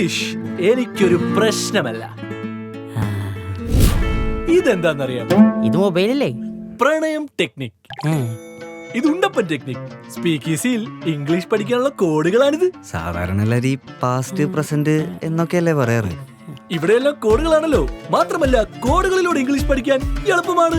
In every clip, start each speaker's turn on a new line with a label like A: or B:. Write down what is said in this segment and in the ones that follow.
A: English എനിക്കൊരു പ്രശ്നമല്ല. ഇതെന്താന്നറിയാം?
B: ഇത് മൊബൈലല്ലേ?
A: പ്രണയം ടെക്നിക്. ഇത് ഉണ്ടപ്പൻ ടെക്നിക്. സ്പീക്ക് ഈസിയിൽ ഇംഗ്ലീഷ് പഠിക്കാനുള്ള കോഡുകളാണിത്.
C: സാധാരണ എല്ലാവരും പാസ്റ്റ് പ്രസന്റ് എന്നൊക്കെയല്ലേ പറയാറ്.
A: ഇവിടെയെല്ലാം കോഡുകളാണല്ലോ. മാത്രമല്ല കോഡുകളിലൂടെ ഇംഗ്ലീഷ് പഠിക്കാൻ എളുപ്പമാണ്.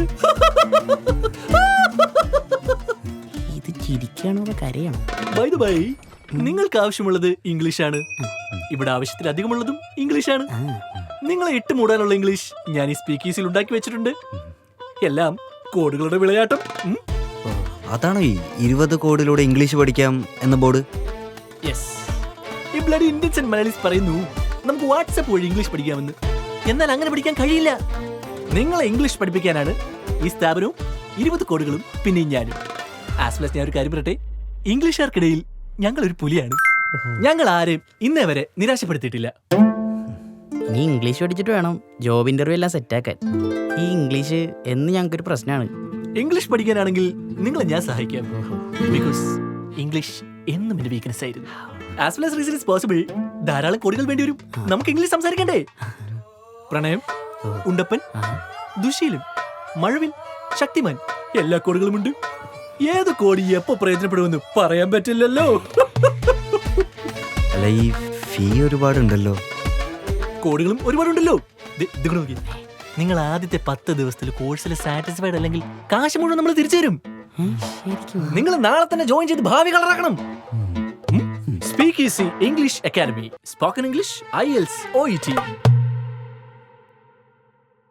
B: ഇത് ചിരിക്കാണോ കരയാണോ?
A: ബൈ ദ ബൈ, നിങ്ങൾക്ക് ആവശ്യമുള്ളത് ഇംഗ്ലീഷാണ്. ഇവിടെ ആവശ്യത്തിലധികമുള്ളതും ഇംഗ്ലീഷാണ്. നിങ്ങളെ ഇട്ട് മൂടാനുള്ള ഇംഗ്ലീഷ് ഞാൻ ഈ സ്പീക്ക് ഈസിൽ ഉണ്ടാക്കി വെച്ചിട്ടുണ്ട്. എല്ലാം കോഡുകളുടെ വിളയാട്ടം.
C: അതാണോ ഈ 20 കോഡിലൂടെ ഇംഗ്ലീഷ് പഠിക്കാം എന്ന ബോർഡ്?
A: യെസ്. ഈ ബ്ലഡി ഇന്ത്യൻസ് ആൻഡ് മലയാളീസ് പറയുന്നു നമുക്ക് വാട്സാപ്പ് വഴി ഇംഗ്ലീഷ് പഠിക്കാമെന്ന്. എന്നാൽ അങ്ങനെ പഠിക്കാൻ കഴിയില്ല. നിങ്ങളെ ഇംഗ്ലീഷ് പഠിപ്പിക്കാനാണ് ഈ സ്ഥാപനവും 20 കോഡുകളും പിന്നെയും ഞാനും. ആസ് വെൽ ഞാൻ ഒരു കാര്യം പറയട്ടെ, ഇംഗ്ലീഷുകാർക്കിടയിൽ ഞങ്ങൾ ഒരു പുലിയാണ്. ഞങ്ങൾ ആരെയും ഇന്നേ വരെ നിരാശപ്പെടുത്തിയിട്ടില്ല.
B: നീ ഇംഗ്ലീഷ് പഠിച്ചിട്ട് വേണം ജോബ് ഇന്റർവ്യൂ എല്ലാം സെറ്റാക്കാൻ. ഈ ഇംഗ്ലീഷ് എന്ന് ഞങ്ങൾക്കൊരു പ്രശ്നമാണ്.
A: ഇംഗ്ലീഷ് പഠിക്കാനാണെങ്കിൽ നിങ്ങളെ ഞാൻ സഹായിക്കാം. ബിക്കോസ് ഇംഗ്ലീഷ് എന്നും എന്റെ വീക്ക്നെസ് ആയിരുന്നു. As well as reason is possible. ധാരാളം കോഡുകൾ വേണ്ടി വരും. നമുക്ക് ഇംഗ്ലീഷ് സംസാരിക്കണ്ടേ? പ്രണയം, ഉണ്ടപ്പൻ, ദുശീലം, മഴവിൽ, ശക്തിമാൻ, എല്ലാ കോഡുകളും ഉണ്ട്. ഏത് കോഡ് എപ്പോ പ്രയോജനപ്പെടുമെന്ന് പറയാൻ പറ്റില്ലല്ലോ.
C: അല്ല, ഈ ഫീ ഒരുപാടുണ്ടല്ലോ.
A: കോഡുകളും ഒരുപാടുണ്ടല്ലോ. നിങ്ങൾ ആദ്യത്തെ 10 ദിവസത്തിൽ കോഴ്സിൽ സാറ്റിസ്ഫൈഡ് അല്ലെങ്കിൽ കാശ് മുഴുവൻ നമ്മൾ തിരിച്ചു തരും. നിങ്ങൾ നാളെ തന്നെ ജോയിൻ ചെയ്ത് ഭാവി കളറാക്കണം. Speak Easy English Academy. Spoken English, IELTS, OET.